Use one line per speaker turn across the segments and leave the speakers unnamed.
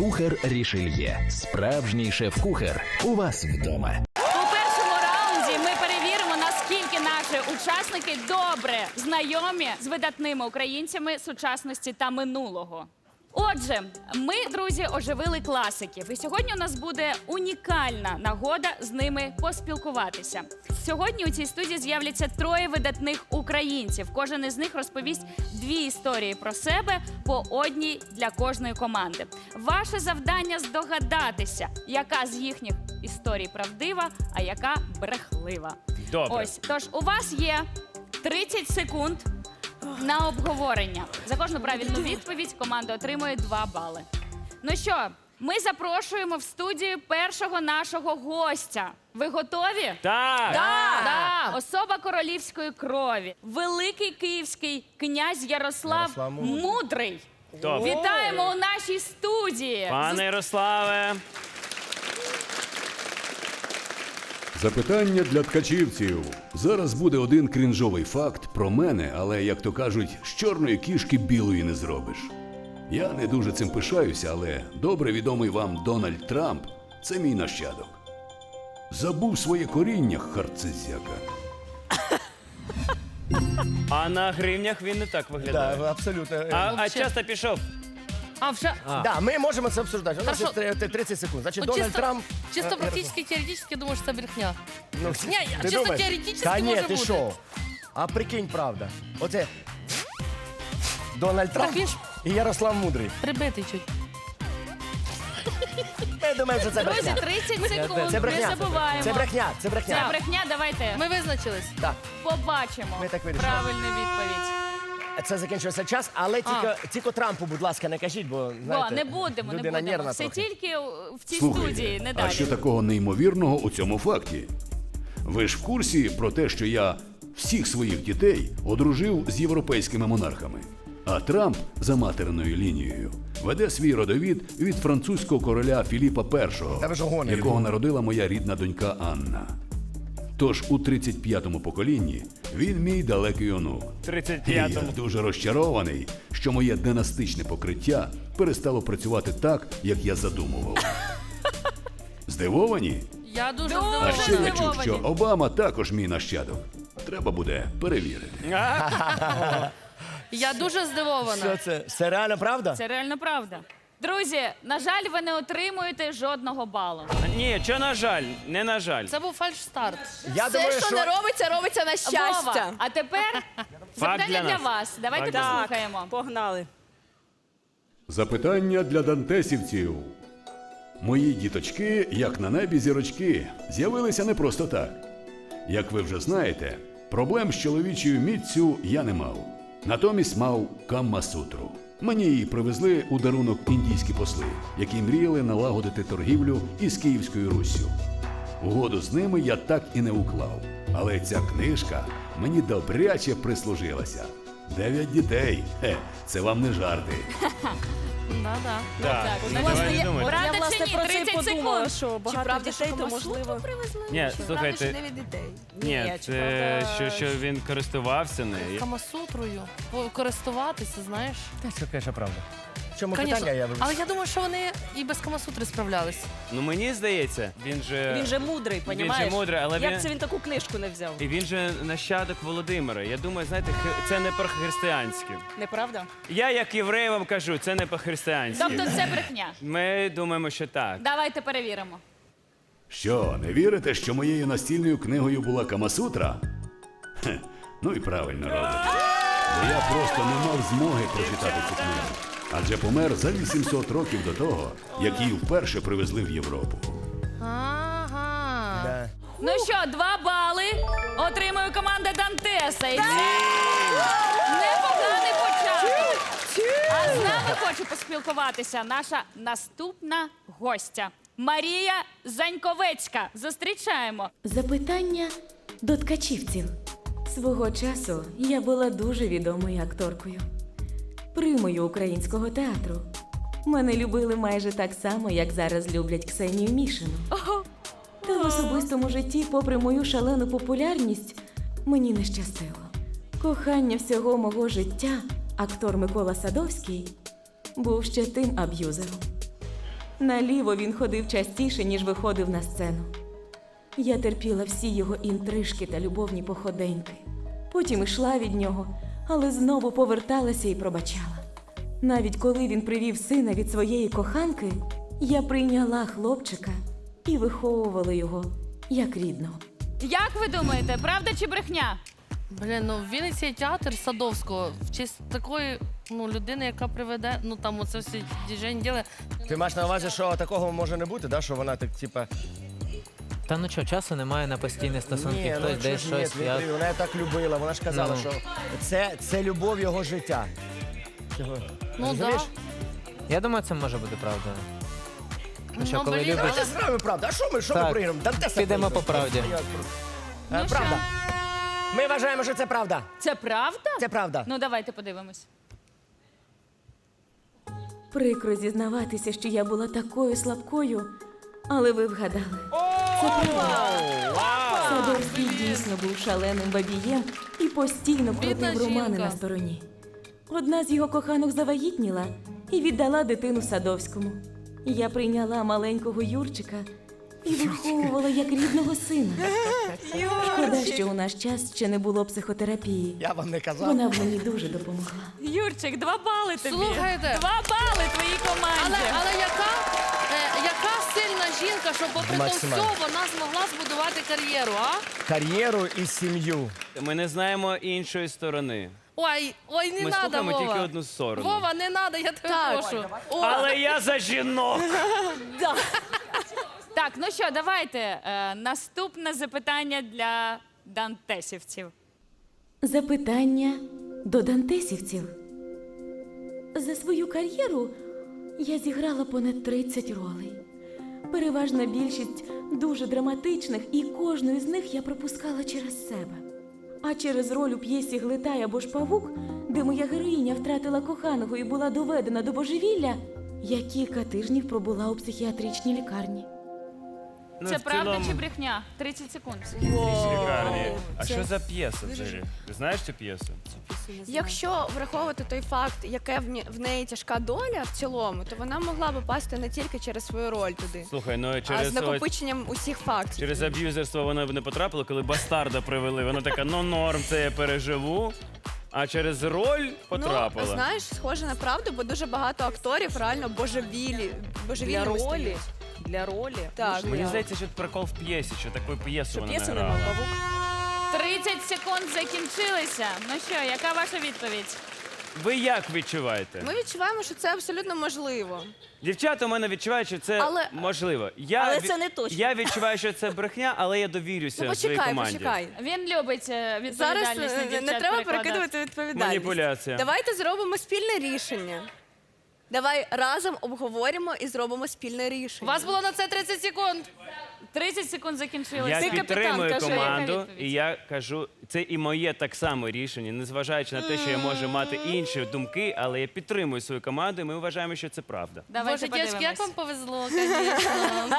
Кухар Рішельє. Справжній шеф-кухар у вас вдома.
У першому раунді ми перевіримо, наскільки наші учасники добре знайомі з видатними українцями сучасності та минулого. Отже, ми, друзі, оживили класиків. І сьогодні у нас буде унікальна нагода з ними поспілкуватися. Сьогодні у цій студії з'являться троє видатних українців. Кожен із них розповість дві історії про себе, по одній для кожної команди. Ваше завдання здогадатися, яка з їхніх історій правдива, а яка брехлива.
Добре.
Ось, тож у вас є 30 секунд на обговорення. За кожну правильну відповідь команда отримує 2 бали. Ну що, ми запрошуємо в студію першого нашого гостя. Ви готові?
Так!
Да. Особа королівської крові. Великий київський князь Ярослав Мудрий.
Добре.
Вітаємо у нашій студії.
Пане Ярославе!
Запитання для ткачівців. Зараз буде один крінжовий факт про мене, але, як то кажуть, з чорної кішки білої не зробиш. Я не дуже цим пишаюся, але добре відомий вам Дональд Трамп – це мій нащадок. Забув своє коріння, харцезяка.
А на гривнях він не так виглядає.
Да, абсолютно.
А часто пішов?
Да, ми можемо це обсуждати. У нас
Хорошо.
є 30 секунд. Значить,
Ну,
Дональд Трамп...
Чисто практически, теоретически думаю, що це брехня.
Ну,
Ні,
ти
чисто
думаєш?
теоретично
Та ні,
може
ти
бути.
що? А прикинь, правда. Оце Дональд Трамп
він ж-
і Ярослав Мудрий.
Прибитий чуть.
Я думаю, що це
Друзі,
брехня.
30 секунд.
Це брехня.
Не забуваємо.
Це брехня, це
Це
брехня.
брехня, давайте
Ми визначились.
Так,
побачимо
Ми так вирішили.
правильну відповідь.
це закінчився час, але тільки Трампу, будь ласка, не кажіть, бо, знаєте,
Не будемо.
людина нервна
Все
трохи.
тільки в цій студії, не
а
далі.
що такого неймовірного у цьому факті? Ви ж в курсі про те, що я всіх своїх дітей одружив з європейськими монархами. А Трамп за материною лінією веде свій родовід від французького короля Філіпа
Та ви ж
І,
гоните.
якого народила моя рідна донька Анна. Тож у 35-му поколінні він мій далекий онук. І
35-му.
я дуже розчарований, що моє династичне покриття перестало працювати так, як я задумував. Здивовані?
Я дуже
Дуже
А ще я чув,
здивовані.
що Обама також мій нащадок. Треба буде перевірити.
Я дуже здивована.
Що це? Це реально правда?
Це реально правда. Друзі, на жаль, ви не отримуєте жодного балу.
Ні, що на жаль, не на жаль.
Це був фальш-старт.
Я думаю,
Все, що не робиться, робиться на щастя.
Вова, а тепер запитання
для
для
нас.
вас. Давайте
Так.
послухаємо.
Погнали.
Запитання для дантесівців. Мої діточки, як на небі зірочки, з'явилися не просто так. Як ви вже знаєте, проблем з чоловічою міццю я не мав. Натомість мав Камма-сутру. Мені її привезли у дарунок індійські посли, які мріяли налагодити торгівлю із Київською Руссю. Угоду з ними я так і не уклав. Але ця книжка мені добряче прислужилася. 9 дітей. Це вам не жарти.
Да-да.
Так,
Ну,
давай
власне,
не
я-
думай.
Правда
Я,
чи
власне,
ні?
про це
30
подумала,
секунд.
що багато правда, дітей, що то Камасутру можливо.
Ні, слухайте,
не від дітей.
ні,
чи
це
правда,
що він користувався нею.
Камасутрою. Користуватися, знаєш.
Це, звісно, правда. В чому
Конечно.
питання, я
Але я думаю, що вони і без Камасутри справлялись.
Ну мені здається, він же
мудрий,
Він
понімаєш?
же мудрий, але
Як
він-
це він таку книжку не взяв?
І він же нащадок Володимира. Я думаю, знаєте, це не по-християнськи.
Неправда?
Я, як єврей, вам кажу, це не по-християнськи.
Тобто це брехня.
Ми думаємо, що так.
Давайте перевіримо.
Що, не вірите, що моєю настільною книгою була Камасутра? Хе, ну і правильно робите. Бо я просто не мав змоги прочитати цю книгу. Адже помер за 800 років до того, як її вперше привезли в Європу.
Ага.
Да.
Ну що, 2 бали отримує команда Дантеса. І це непоганий початок. А з нами хоче поспілкуватися наша наступна гостя Марія Заньковецька. Зустрічаємо.
Запитання до ткачівців. Свого часу я була дуже відомою акторкою. Примою українського театру. Мене любили майже так само, як зараз люблять Ксенію Мішину. Та в особистому житті, попри мою шалену популярність, мені не щастило. Кохання всього мого життя, актор Микола Садовський, був ще тим аб'юзером. Наліво він ходив частіше, ніж виходив на сцену. Я терпіла всі його інтрижки та любовні походеньки. Потім ішла від нього, але знову поверталася і пробачала. Навіть коли він привів сина від своєї коханки, я прийняла хлопчика і виховувала його як рідного.
Як ви думаєте, правда чи брехня?
Блін, ну в Вінниці є театр Садовського в честь такої людини, яка приведе, там оце всі діжень діли.
Ти маєш на увазі, що такого може не бути, да? Що вона так, типа...
Та ну чого, часу немає на постійні стосунки,
Ні,
хтось
ну,
десь
чого ж ні,
щось.
Дмитрій, вона так любила, вона ж казала,
Ну.
що це любов його життя. Чого?
Ну
Розумієш?
да.
Я думаю, це може бути правдою. Ну що,
Ну,
коли
блін,
любиш,
Давайте зграємо правду. А що ми
Так,
програємо? Дантеса
підемо
проіграємо.
по правді.
Ну
Правда. Ми вважаємо, що це правда.
Це правда?
Це правда.
Ну давайте подивимось.
Прикро зізнаватися, що я була такою слабкою, але ви вгадали. Це правда. Садовський дійсно був шаленим бабієм і постійно
Бідна
крутив романи
жінка.
на стороні. Одна з його коханок завагітніла і віддала дитину Садовському. Я прийняла маленького Юрчика і виховувала як рідного сина. Шкода, що у наш час ще не було психотерапії.
Я вам не казав.
Вона б мені дуже допомогла.
Юрчик, 2 бали тобі.
Слухайте.
2 бали твоїй команді.
Але яка сильна жінка, що попри то все
Максимально.
вона змогла збудувати кар'єру, а?
Кар'єру і сім'ю.
Ми не знаємо іншої сторони.
Ой, не
Ми
надо,
слухаємо
Вова.
тільки одну сторону.
Вова, не надо, я тебе прошу.
Але я за жінок.
Так, ну що, давайте. Наступне запитання для дантесівців.
Запитання до дантесівців. За свою кар'єру я зіграла понад 30 ролей. Переважна більшість дуже драматичних, і кожну із них я пропускала через себе. А через роль у п'єсі «Глитай або ж павук», де моя героїня втратила коханого і була доведена до божевілля, я кілька тижнів пробула у психіатричній лікарні.
Ну,
Це
в
правда
цілому,
чи брехня? 30 секунд.
лікарні. А що за п'єса взагалі? Ти знаєш цю п'єсу?
Якщо враховувати той факт, яке в неї тяжка доля в цілому, то вона могла би пасти не тільки через свою роль туди,
Слухай, ну
а
через
з накопиченням усіх фактів.
через аб'юзерство вона б не потрапила, коли бастарда привели. Вона така, ну норм, це я переживу. А через роль потрапила.
Ну, знаєш, схоже на правду, бо дуже багато акторів реально божевільними стають.
Для ролі.
Так.
Мені здається, що прикол в п'єсі, що таку п'єсу вона не
П'єси
грала.
нема, павук.
30 секунд закінчилися. Ну що, яка ваша відповідь?
Ви як відчуваєте?
Ми відчуваємо, що це абсолютно можливо.
Дівчата у мене відчувають, що це
Але-
можливо.
Але це не точно.
Я відчуваю, що це брехня, але я довірюся
Ну
своїй
почекай,
команді.
почекай.
Він любить
Зараз
відповідальність на дівчат
не треба
перекладати.
перекидувати відповідальність.
Маніпуляція.
Давайте зробимо спільне рішення. Давай разом обговоримо і зробимо спільне
У
рішення.
вас було на це 30 секунд.
30 секунд закінчилися.
Я
Ти капітан,
підтримую
кажи,
команду,
яка відповідь?
і я кажу, це і моє так само рішення, незважаючи на те, що я можу мати інші думки, але я підтримую свою команду, і ми вважаємо, що це правда.
Давайте
Боже, дівчатки, як
подивимось.
вам повезло, звісно.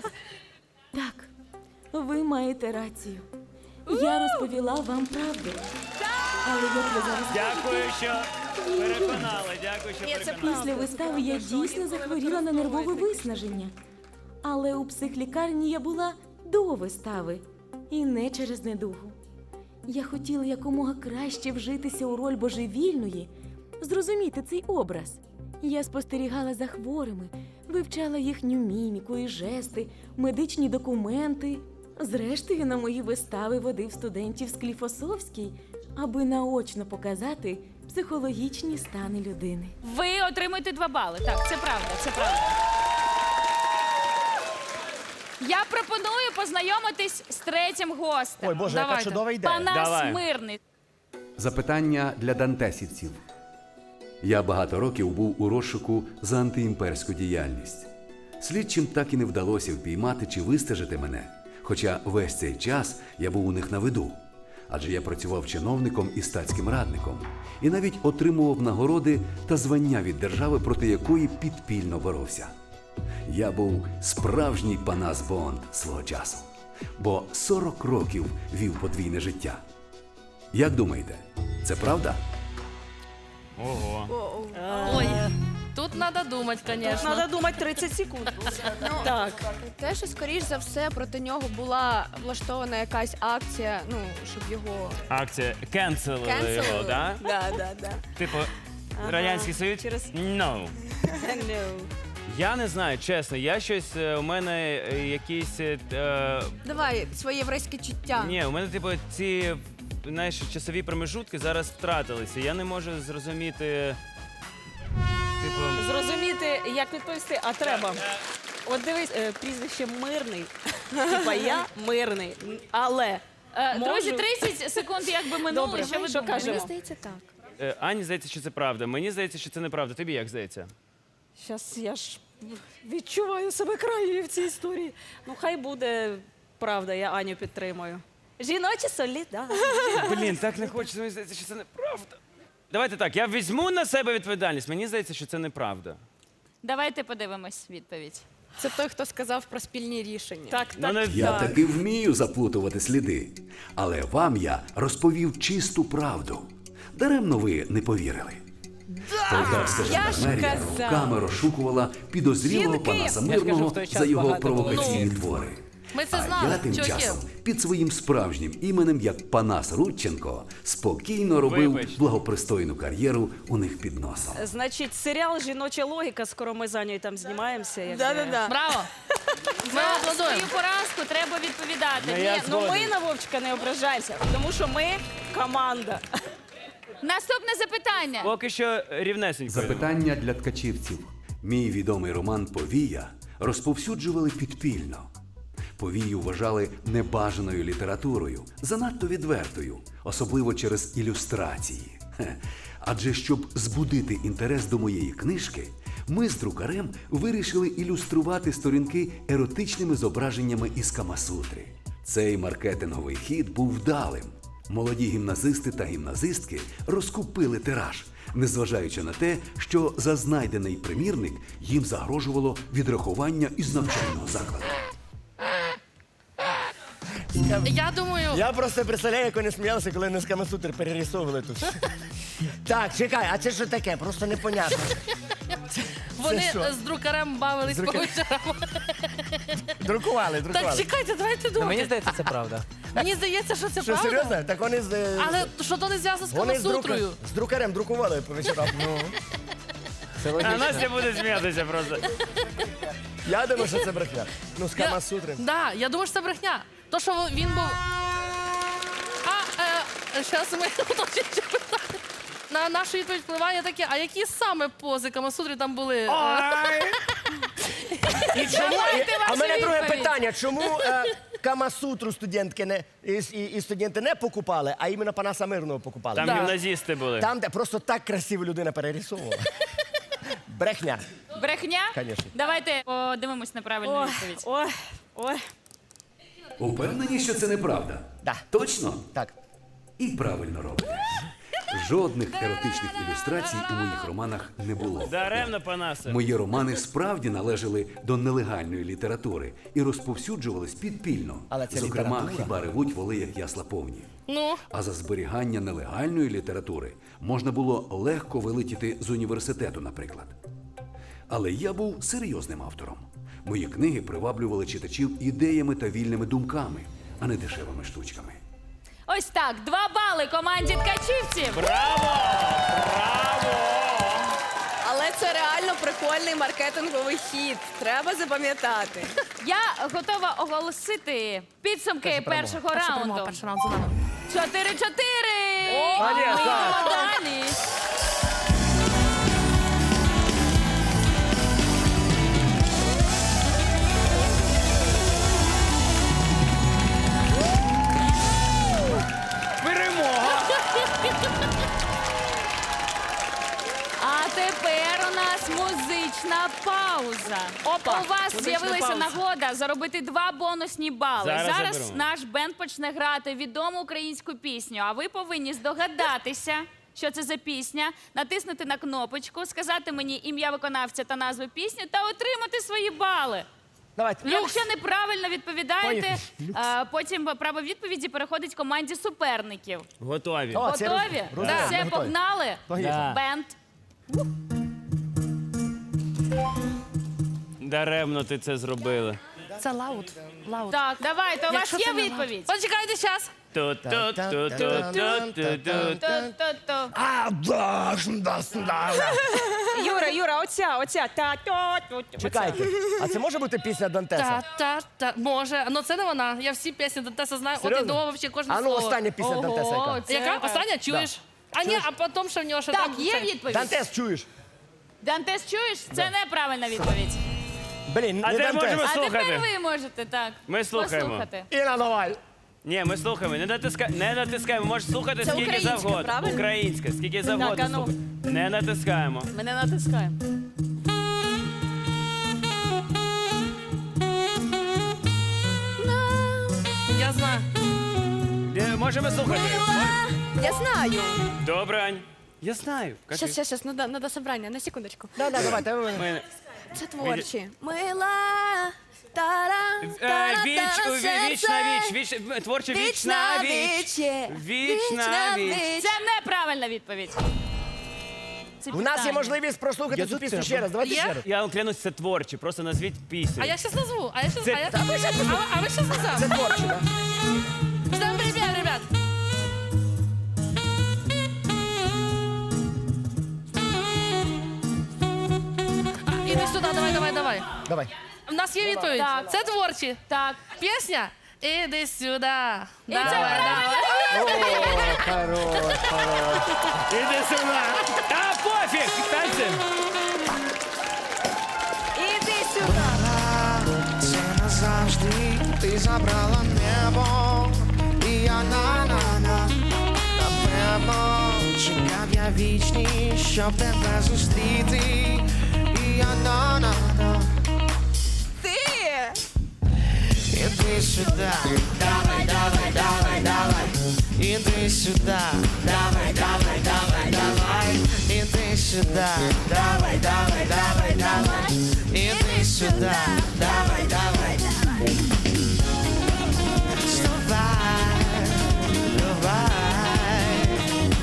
Так, ви маєте рацію. Я розповіла вам правду. Але як ви зараз
Дякую, що переконали. Дякую, що переконали.
після вистави я дійсно захворіла на нервове виснаження. Але у психлікарні я була до вистави і не через недугу. Я хотіла якомога краще вжитися у роль божевільної, зрозуміти цей образ. Я спостерігала за хворими, вивчала їхню міміку і жести, медичні документи. Зрештою, на мої вистави водив студентів Скліфосовський, аби наочно показати психологічні стани людини.
Ви отримуєте 2 бали. Так, це правда, це правда. Я пропоную познайомитись з третім гостем.
Ой, Боже, яка
Давайте.
чудова ідея.
Панас
Давай.
Мирний.
Запитання для дантесівців. Я багато років був у розшуку за антиімперську діяльність. Слідчим так і не вдалося впіймати чи вистежити мене, хоча весь цей час я був у них на виду. Адже я працював чиновником і статським радником, і навіть отримував нагороди та звання від держави, проти якої підпільно боровся. Я був справжній Панас Бонд свого часу, бо 40 років вів подвійне життя. Як думаєте, це правда?
Ого.
Ой, тут Тут треба думати, звісно.
Треба думати 30 секунд. Так.
Те, що, скоріш за все, проти нього була влаштована якась акція, ну, щоб його
Акція «Cancel» його, да?
Да.
Типу, Радянський Союз?
Через-
No.
No.
Я не знаю, чесно, я щось, у мене якісь...
Давай своє єврейське чуття.
Ні, у мене, типу, ці, знаєш, часові промежутки зараз втратилися. Я не можу зрозуміти, типу...
Зрозуміти, як відповісти, а треба. От дивись, прізвище Мирний. Типа я мирний, але
Друзі,
можу-
30 секунд якби минуло.
Добре,
Що ви
що
думаєте?
кажемо?
Мені здається, так.
Ані здається, що це правда. Мені здається, що це неправда. Тобі як здається?
Щас я ж відчуваю себе крайньою в цій історії. Ну, хай буде правда, я Аню підтримую. Жіночі солідарність.
Блін, так не хочеться, мені здається, що це неправда. Давайте так, я візьму на себе відповідальність. Мені здається, що це неправда.
Давайте подивимось відповідь.
Це той, хто сказав про спільні рішення.
Так,
Ну, не-
Я
так.
таки вмію заплутувати сліди, але вам я розповів чисту правду. Даремно ви не повірили. Полтавська жандармерія руками розшукувала підозрілого
Жінки!
Панаса
Я ж кажу,
Мирного
в той час
за його
багато було.
провокаційні твори.
Ми це
А
знали,
я тим
чуваки.
часом під своїм справжнім іменем, як Панас Рудченко, спокійно робив
Вибач.
благопристойну кар'єру у них під носом.
Значить, серіал «Жіноча логіка», скоро ми за нею там знімаємося. як
Да-да-да.
Браво! Ми
За
аплодуємо.
свою поразку треба відповідати.
Ну, я
Ні, ну ми
згоден.
на Вовчика не ображаємося, тому що ми команда.
Наступне запитання.
Поки що рівнесенько.
Запитання для ткачівців. Мій відомий роман «Повія» розповсюджували підпільно. Повію вважали небажаною літературою, занадто відвертою, особливо через ілюстрації. Адже щоб збудити інтерес до моєї книжки, ми з друкарем вирішили ілюструвати сторінки еротичними зображеннями із Камасутри. Цей маркетинговий хід був вдалим. Молоді гімназисти та гімназистки розкупили тираж, незважаючи на те, що за знайдений примірник їм загрожувало відрахування із навчального закладу.
Я думаю,
Я просто представляю, як вони сміялися, коли не з Камасутр перерисовували тут. Так, чекай, а це що таке? Просто непонятно.
вони
що?
з друкарем бавились по вечорам.
Друкували.
Так, чекайте, давайте
Ну,
думати.
мені здається, це правда.
Мені здається, що це
Що,
правда.
серйозно? Так вони з...
Але що то не зв'язано з
Вони
Камасутрою.
з друкарем друкували по вечорам. Ну,
Це
А
логічно.
Настя буде сміятися просто.
я думаю, що це брехня. Ну, з Камасутри.
Да, я думаю, що це брехня. То, що він був. Зараз ми уточнюємо питання. На нашу відповідь впливає таке, а які саме пози Камасутри там були?
І чому,
Давайте
а в мене
вашу
друге
відповідь.
питання. Чому Камасутру студентки не, і студенти не покупали, а іменно Панаса Мирного покупали?
Там
Да.
гімназісти були.
Там, де просто так красиво людина перерисовувала. Брехня.
Брехня?
Конечно.
Давайте подивимось на правильну
Ой,
відповідь.
ой.
Упевнені, що це неправда?
Да.
Точно?
Так.
І правильно робите. Жодних еротичних ілюстрацій у моїх романах не було.
Даремно, Панасе.
Мої романи справді належали до нелегальної літератури і розповсюджувались підпільно.
Але це
Зокрема,
література.
хіба ревуть воли, як ясла повні.
Ну,
А за зберігання нелегальної літератури можна було легко вилетіти з університету, наприклад. Але я був серйозним автором. Мої книги приваблювали читачів ідеями та вільними думками, а не дешевими штучками.
Ось так, 2 бали команді ткачівців.
Але це реально прикольний маркетинговий хід. Треба запам'ятати.
Я готова оголосити підсумки першого раунду.
перший раунд за нами.
4-4. Ми йдемо далі.
Перемога!
А тепер у нас музична пауза.
Опа,
У вас
музична
з'явилася
пауза.
нагода заробити 2 бонусні бали.
Зараз
Зараз
заберу.
наш бенд почне грати відому українську пісню, а ви повинні здогадатися, що це за пісня, натиснути на кнопочку, сказати мені ім'я виконавця та назву пісні та отримати свої бали.
Давайте.
Якщо неправильно відповідаєте,
Поїхали.
потім право відповіді переходить команді суперників.
Готові.
О, це
Готові?
розумію,
Все,
готові.
погнали?
Поїхали.
Бенд.
Даремно ти це зробила.
Це лаут. Лаут.
Так, давайте, у вас
Якщо
є
це не
відповідь?
Почекайте час.
Ту-ту-ту-ту-ту-ту.
То-то-то.
Юра, оця.
Чекайте, а це може бути пісня Дантеса?
Та. Може. Ну це не вона. Я всі пісні Дантеса знаю. От і
Серйозно?
до взагалі кожне
А ну
слово.
остання пісня Дантеса яка?
Це
Яка?
так.
Остання? Чуєш? А ні, а потім ще в нього ще
Так,
там...
є
це-
відповідь?
Дантес чуєш?
Дантес, чуєш? Це неправильна відповідь.
Блін,
А
не
де можемо
Дантес.
А тепер
слухати?
ви можете, так.
Ми слухаємо.
Послухати.
Іра, давай.
Ні, ми слухаємо. Не натискаємо. Можеш слухати
Це
скільки
українська,
завгодно.
правильно?
Українська, скільки завгодно.
а ну.
слухай. Не натискаємо.
Ми не натискаємо.
Я знаю.
Можемо слухати.
Я знаю.
Добре, Ань. Я знаю. Кажи.
Щас, надо собрання, на секундочку.
Да, давайте.
Ми-
Це творчі. Мила, тара,
Вічна віч. Творча вічна віч. Вічна віч.
Це неправильна відповідь. Це
У нас є
питання.
можливість прослухати цю пісню ще раз. Давайте
Є?
ще раз.
Я вам клянусь, це творче. Просто назвіть пісню.
А я щас назву. А
Це-
ви щас назвав?
Це творче, так?
Ждем ребят. Іди сюди, давай.
Давай.
У нас є відповідь.
Так.
Це творчі.
Так.
Пісня. Іди сюди.
І це правильна
Іди сюди. Та пофіг. Танцем.
Іди сюди.
Це назавжди ти забрала небо, і я на напевно чекав я вічність, щоб тебе зустріти, і я на
Ти!
іди сюди, давай, іди сюди, давай, іди сюди, давай, іди сюди, давай. Давай.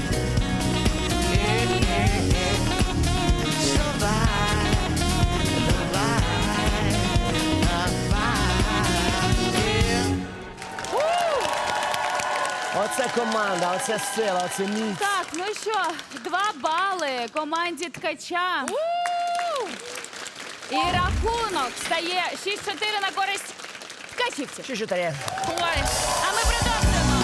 Оце команда, оце сила, оце міць.
Так, ну що, 2 бали команді Ткача. І рахунок стає 6-4 на користь ткачівців.
Що є?
Ой.